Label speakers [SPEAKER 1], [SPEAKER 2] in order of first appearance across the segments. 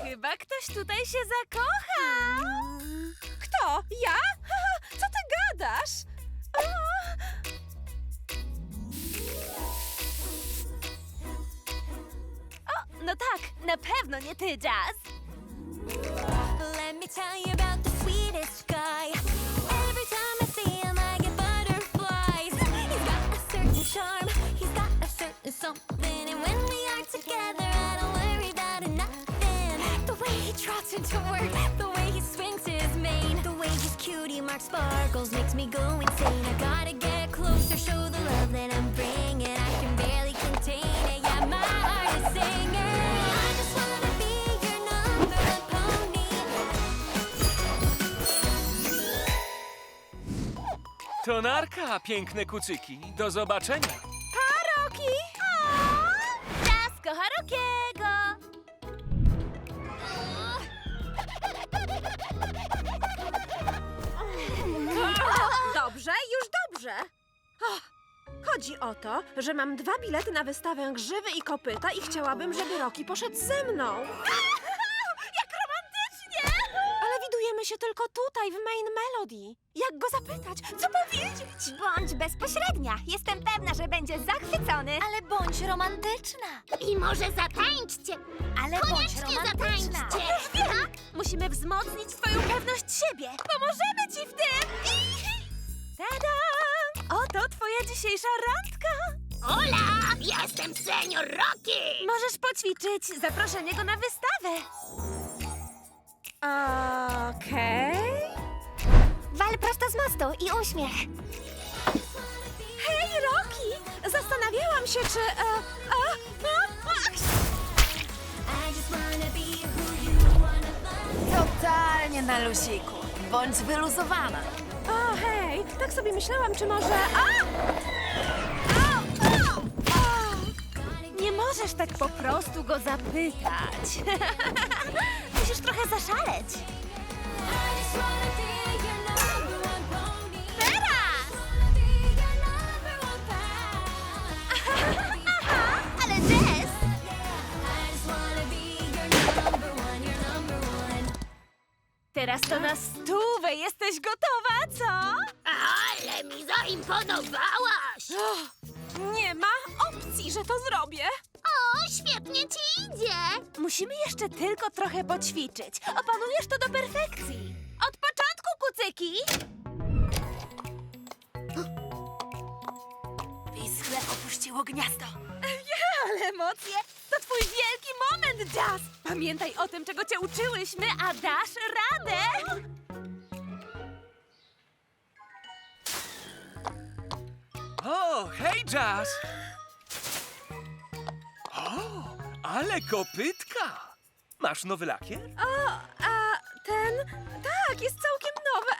[SPEAKER 1] Chyba ktoś tutaj się zakocha.
[SPEAKER 2] Kto? Ja? Co ty gadasz?
[SPEAKER 1] O, no tak, na pewno nie ty, Jazz.
[SPEAKER 3] Let me tell you about the sweetest guy. Every time I see him, I get butterflies. He's got a certain charm, he's got a certain something. And when we are together, I don't worry about nothing. The way he trots into work, the way he swings his mane, the way his cutie mark sparkles makes me go insane. I gotta get closer, show the love that I'm bringing. I can barely contain it, yeah, my heart is singing. I just wanna be your number one pony.
[SPEAKER 4] To narka, piękne kucyki. Do zobaczenia.
[SPEAKER 1] Pa, Rocky! Jazz kocha Rockiego.
[SPEAKER 2] Dobrze, już dobrze. Chodzi o to, że mam 2 bilety na wystawę Grzywy i Kopyta i chciałabym, żeby Rocky poszedł ze mną.
[SPEAKER 1] Jak romantycznie!
[SPEAKER 2] Ale widujemy się tylko tutaj, w Main Melody. Jak go zapytać? Co powiedzieć?
[SPEAKER 3] Bądź bezpośrednia. Jestem pewna, że będzie zachwycony.
[SPEAKER 1] Ale bądź romantyczna.
[SPEAKER 3] I może zatańczcie. Ale
[SPEAKER 1] Koniecznie
[SPEAKER 3] bądź romantyczna.
[SPEAKER 1] zatańczcie. Musimy wzmocnić twoją pewność siebie. Pomożemy ci w tym. Tada! Oto twoja dzisiejsza randka.
[SPEAKER 3] Hola! Jestem senior Rocky!
[SPEAKER 1] Możesz poćwiczyć zaproszenie go na wystawę.
[SPEAKER 2] Okej.
[SPEAKER 3] Wal prosto z mostu i uśmiech.
[SPEAKER 2] Hej, Rocky! Zastanawiałam się, czy...
[SPEAKER 1] Totalnie na luziku. Bądź wyluzowana.
[SPEAKER 2] O, hej! Tak sobie myślałam, czy może...
[SPEAKER 1] Nie możesz tak po prostu go zapytać. Musisz trochę zaszaleć. Teraz! Ale Jess! Teraz to na stówę. Jesteś gotowa, co?
[SPEAKER 3] Ale mi zaimponowałaś!
[SPEAKER 2] Nie ma opcji, że to zrobię.
[SPEAKER 3] O, świetnie ci idzie!
[SPEAKER 1] Musimy jeszcze tylko trochę poćwiczyć. Opanujesz to do perfekcji. Od początku, kucyki! Pischle opuściło gniazdo. Ale emocje! To twój wielki moment, Jazz! Pamiętaj o tym, czego cię uczyłyśmy, a dasz radę!
[SPEAKER 4] O, hej, Jazz! O, ale kopytka! Masz nowy lakier?
[SPEAKER 2] Ten... Tak, jest całkiem nowy.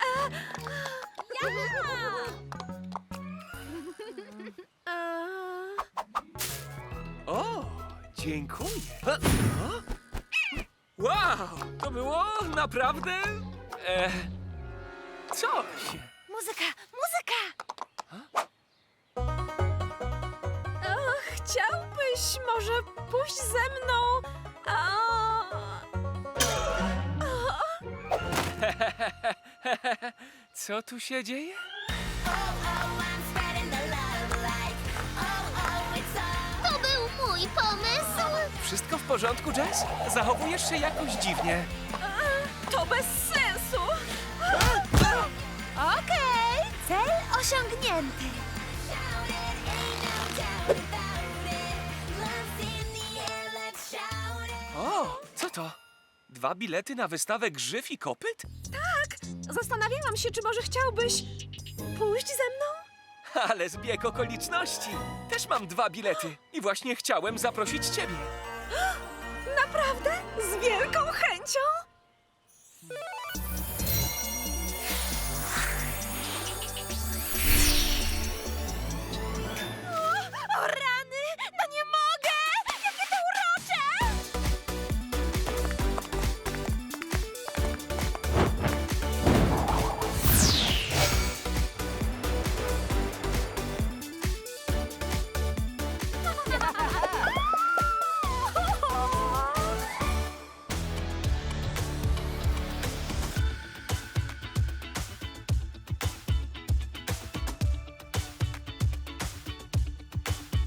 [SPEAKER 4] O, dziękuję. Wow, to było naprawdę... coś.
[SPEAKER 1] Muzyka, muzyka!
[SPEAKER 2] Chciałbyś może pójść ze mną?
[SPEAKER 4] Co tu się dzieje?
[SPEAKER 3] To był mój pomysł!
[SPEAKER 4] Wszystko w porządku, Jazz? Zachowujesz się jakoś dziwnie.
[SPEAKER 2] To bez sensu.
[SPEAKER 1] Okej, cel osiągnięty.
[SPEAKER 4] O, co to? 2 bilety na wystawę Grzyw i Kopyt?
[SPEAKER 2] Zastanawiałam się, czy może chciałbyś pójść ze mną?
[SPEAKER 4] Ale zbieg okoliczności. Też mam 2 bilety i właśnie chciałem zaprosić ciebie.